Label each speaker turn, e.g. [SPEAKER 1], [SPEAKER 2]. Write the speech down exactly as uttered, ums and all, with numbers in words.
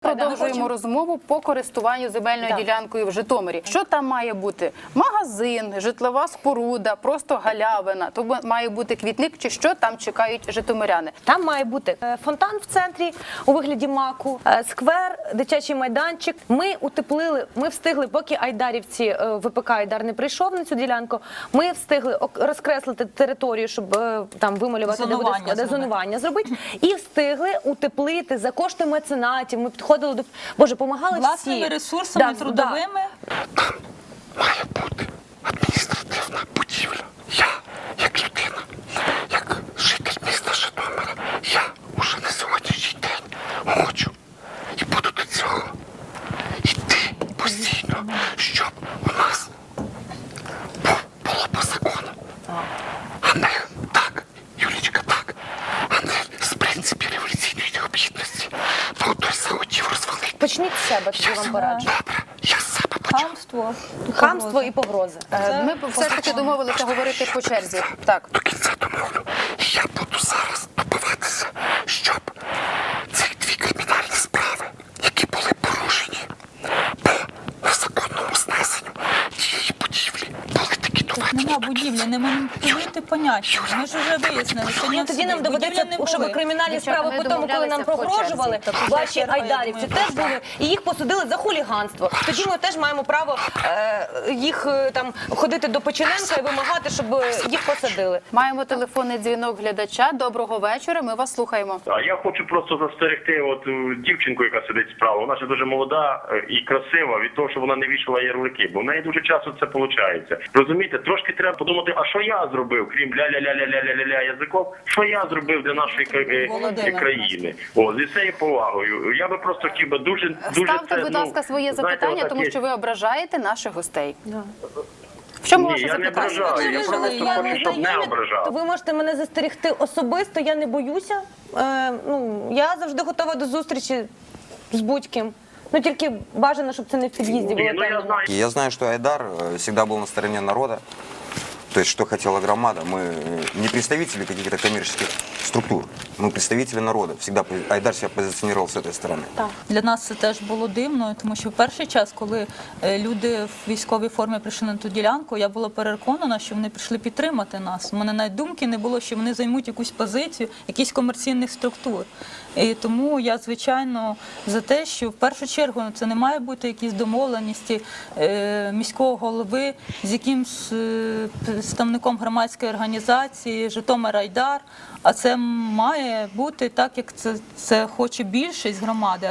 [SPEAKER 1] продовжуємо розмову по користуванню земельною
[SPEAKER 2] Так.
[SPEAKER 1] ділянкою в Житомирі. Що там має бути? Магазин, житлова споруда, просто галявина? То має бути квітник чи що там чекають житомиряни?
[SPEAKER 2] Там має бути е, фонтан в центрі у вигляді маку, е, сквер, дитячий майданчик. Ми утеплили, ми встигли, поки айдарівці, е, ВПК Айдар не прийшов на цю ділянку, ми встигли ок- розкреслити територію, щоб е, там вималювати, де буде
[SPEAKER 3] Зонування
[SPEAKER 2] склад- де
[SPEAKER 3] зробити.
[SPEAKER 2] зонування зробити, і встигли утеплити за кошти меценатів. Ми підходили до, Боже, помагали всі.
[SPEAKER 3] Власними ресурсами,
[SPEAKER 2] Да,
[SPEAKER 3] трудовими.
[SPEAKER 4] Має бути адміністративна будівля. Я, як людина, як житель міста Житомира, я уже на сьогоднішній день хочу і буду до цього йти постійно, щоб у нас був- було по закону. А не так, Юлічка, так, а не з принципів революційної необхідності. Бо той захотів розвалити.
[SPEAKER 2] Почніть з себе, тоді вам пораджу.
[SPEAKER 4] Добре, я з себе почав.
[SPEAKER 3] Хамство.
[SPEAKER 2] Хамство і погрози.
[SPEAKER 1] Е, Ми все ж таки домовилися говорити по черзі. Так.
[SPEAKER 4] До кінця домовлю. І я буду зараз добиватися, щоб ці дві кримінальні справи, які були порушені по незаконному знесенню цієї будівлі, були такі доведені.
[SPEAKER 3] Нема будівлі, не маніпулюйте поняття. Ми ж вже вияснили, що ні,
[SPEAKER 2] Тоді нам доведеться, щоб кримінальні
[SPEAKER 1] Дівчата,
[SPEAKER 2] справи
[SPEAKER 1] ми
[SPEAKER 2] по тому, коли нам
[SPEAKER 1] домовлялися по
[SPEAKER 2] погрожували,
[SPEAKER 1] черзі.
[SPEAKER 2] ваші
[SPEAKER 3] черга, я
[SPEAKER 2] айдарівці
[SPEAKER 3] думаю,
[SPEAKER 2] теж були, і їх посадили за хуліганство. Тоді ми теж маємо право е, їх е, там ходити до Печененка і вимагати, щоб е, їх посадили.
[SPEAKER 1] Маємо телефонний дзвінок глядача. Доброго вечора, ми вас слухаємо.
[SPEAKER 5] А я хочу просто застерегти от е, дівчинку, яка сидить справа. Вона ж дуже молода е, і красива від того, що вона не вішала ярлики, бо в неї дуже часто це виходить. Розумієте, трошки треба подумати, а що я зробив, крім ля-ля-ля-ля-ля-ля-ля язиком, що я зробив для нашої кра- е,
[SPEAKER 3] Володимир,
[SPEAKER 5] країни. О, зі цією повагою. Я би просто хотів би дуже, дуже
[SPEAKER 1] Ставте,
[SPEAKER 5] це,
[SPEAKER 1] будь
[SPEAKER 5] ну,
[SPEAKER 1] ласка, своє
[SPEAKER 5] знаєте,
[SPEAKER 1] запитання, тому
[SPEAKER 5] отакі-
[SPEAKER 1] що ви ображаєте наших гостей. В чому
[SPEAKER 5] Ні,
[SPEAKER 1] ваше
[SPEAKER 5] я не
[SPEAKER 1] запитання?
[SPEAKER 5] ображаю, я
[SPEAKER 3] Ви
[SPEAKER 5] просто
[SPEAKER 3] жили, я
[SPEAKER 5] хочу,
[SPEAKER 3] не
[SPEAKER 5] щоб не
[SPEAKER 2] знайомі,
[SPEAKER 5] ображав.
[SPEAKER 2] то ви можете мене застерегти особисто, я не боюся. Е, ну, я завжди готова до зустрічі з будь-ким. Ну тільки бажано, щоб це не в під'їзді було
[SPEAKER 5] Ні, ну я
[SPEAKER 2] темно.
[SPEAKER 5] знаю.
[SPEAKER 6] И я знаю, что Айдар э, всегда был на стороне народа. То есть, что хотела громада. Мы э, не представители каких-то коммерческих структур. Мы представители народа. Всегда Айдар себя позиционировал с этой стороны.
[SPEAKER 3] Для нас це теж було дивно, тому що в перший час, коли е, люди в військовій формі прийшли на ту ділянку, я була переконана, що вони прийшли підтримати нас. У мене навіть думки не було, що вони займуть якусь позицію, якісь комерційних структур. І тому я, звичайно, за те, що в першу чергу це не має бути якісь домовленості е, міського голови з якимсь е, представником громадської організації Житомир Айдар, а це має бути так, як це, це хоче більшість громади.